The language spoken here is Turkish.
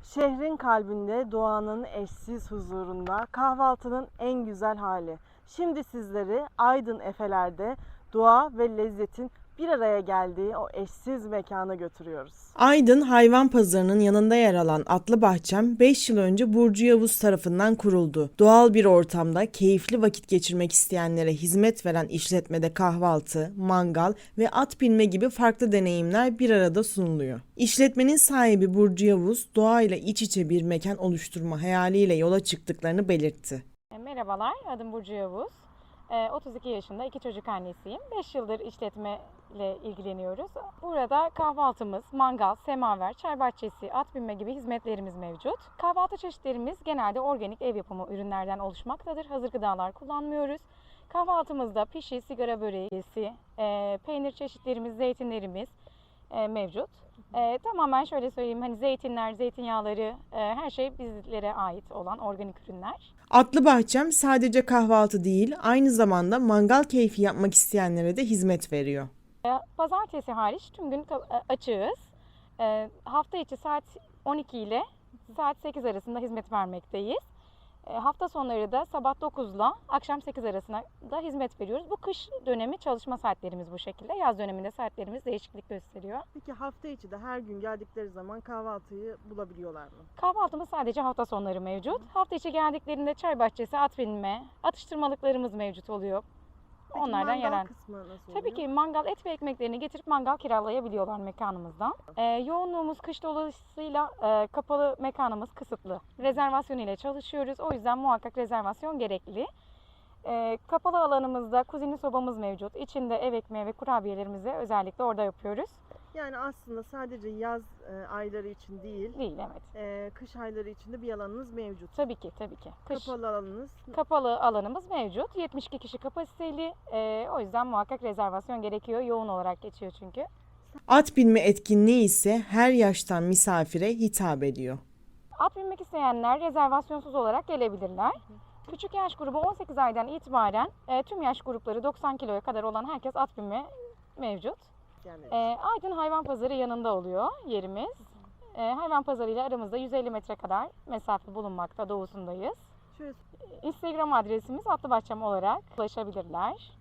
Şehrin kalbinde, doğanın eşsiz huzurunda, kahvaltının en güzel hali. Şimdi sizleri Aydın Efeler'de doğa ve lezzetin bir araya geldiği o eşsiz mekana götürüyoruz. Aydın Hayvan Pazarı'nın yanında yer alan Atlı Bahçem 5 yıl önce Burcu Yavuz tarafından kuruldu. Doğal bir ortamda keyifli vakit geçirmek isteyenlere hizmet veren işletmede kahvaltı, mangal ve at binme gibi farklı deneyimler bir arada sunuluyor. İşletmenin sahibi Burcu Yavuz, doğayla iç içe bir mekan oluşturma hayaliyle yola çıktıklarını belirtti. Merhabalar, adım Burcu Yavuz. 32 yaşında, 2 çocuk annesiyim. 5 yıldır işletmeyle ilgileniyoruz. Burada kahvaltımız, mangal, semaver, çay bahçesi, at binme gibi hizmetlerimiz mevcut. Kahvaltı çeşitlerimiz genelde organik ev yapımı ürünlerden oluşmaktadır. Hazır gıdalar kullanmıyoruz. Kahvaltımızda pişi, sigara böreği, peynir çeşitlerimiz, zeytinlerimiz mevcut. Tamamen şöyle söyleyeyim, hani zeytinler, zeytinyağları, her şey bizlere ait olan organik ürünler. Atlı Bahçem sadece kahvaltı değil, aynı zamanda mangal keyfi yapmak isteyenlere de hizmet veriyor. Pazartesi hariç tüm gün açığız. Hafta içi saat 12 ile saat 8 arasında hizmet vermekteyiz. Hafta sonları da sabah 9 ile akşam 8 arasında da hizmet veriyoruz. Bu kış dönemi çalışma saatlerimiz bu şekilde. Yaz döneminde saatlerimiz değişiklik gösteriyor. Peki hafta içi de her gün geldikleri zaman kahvaltıyı bulabiliyorlar mı? Kahvaltımız sadece hafta sonları mevcut. Hafta içi geldiklerinde çay bahçesi, at binme, atıştırmalıklarımız mevcut oluyor. Peki Onlardan mangal yaran. kısmı nasıl Tabii oluyor? ki mangal, et ve ekmeklerini getirip mangal kiralayabiliyorlar mekanımızdan. Yoğunluğumuz kış dolayısıyla kapalı mekanımız kısıtlı. Rezervasyon ile çalışıyoruz. O yüzden muhakkak rezervasyon gerekli. Kapalı alanımızda kuzinli sobamız mevcut. İçinde ev ekmeği ve kurabiyelerimizi özellikle orada yapıyoruz. Yani aslında sadece yaz ayları için değil, Değil, evet. kış ayları için de bir alanınız mevcut. Tabii ki, tabii ki. Kış Kapalı alanınız. kapalı alanımız mevcut. 72 kişi kapasiteli. O yüzden muhakkak rezervasyon gerekiyor. Yoğun olarak geçiyor çünkü. At binme etkinliği ise her yaştan misafire hitap ediyor. At binmek isteyenler rezervasyonsuz olarak gelebilirler. Küçük yaş grubu 18 aydan itibaren tüm yaş grupları 90 kiloya kadar olan herkes at binme mevcut. Yani Aydın Hayvan Pazarı yanında oluyor yerimiz. Hayvan Pazarı ile aramızda 150 metre kadar mesafe bulunmakta, doğusundayız. şöyle Instagram adresimiz Atlı Bahçem olarak ulaşabilirler.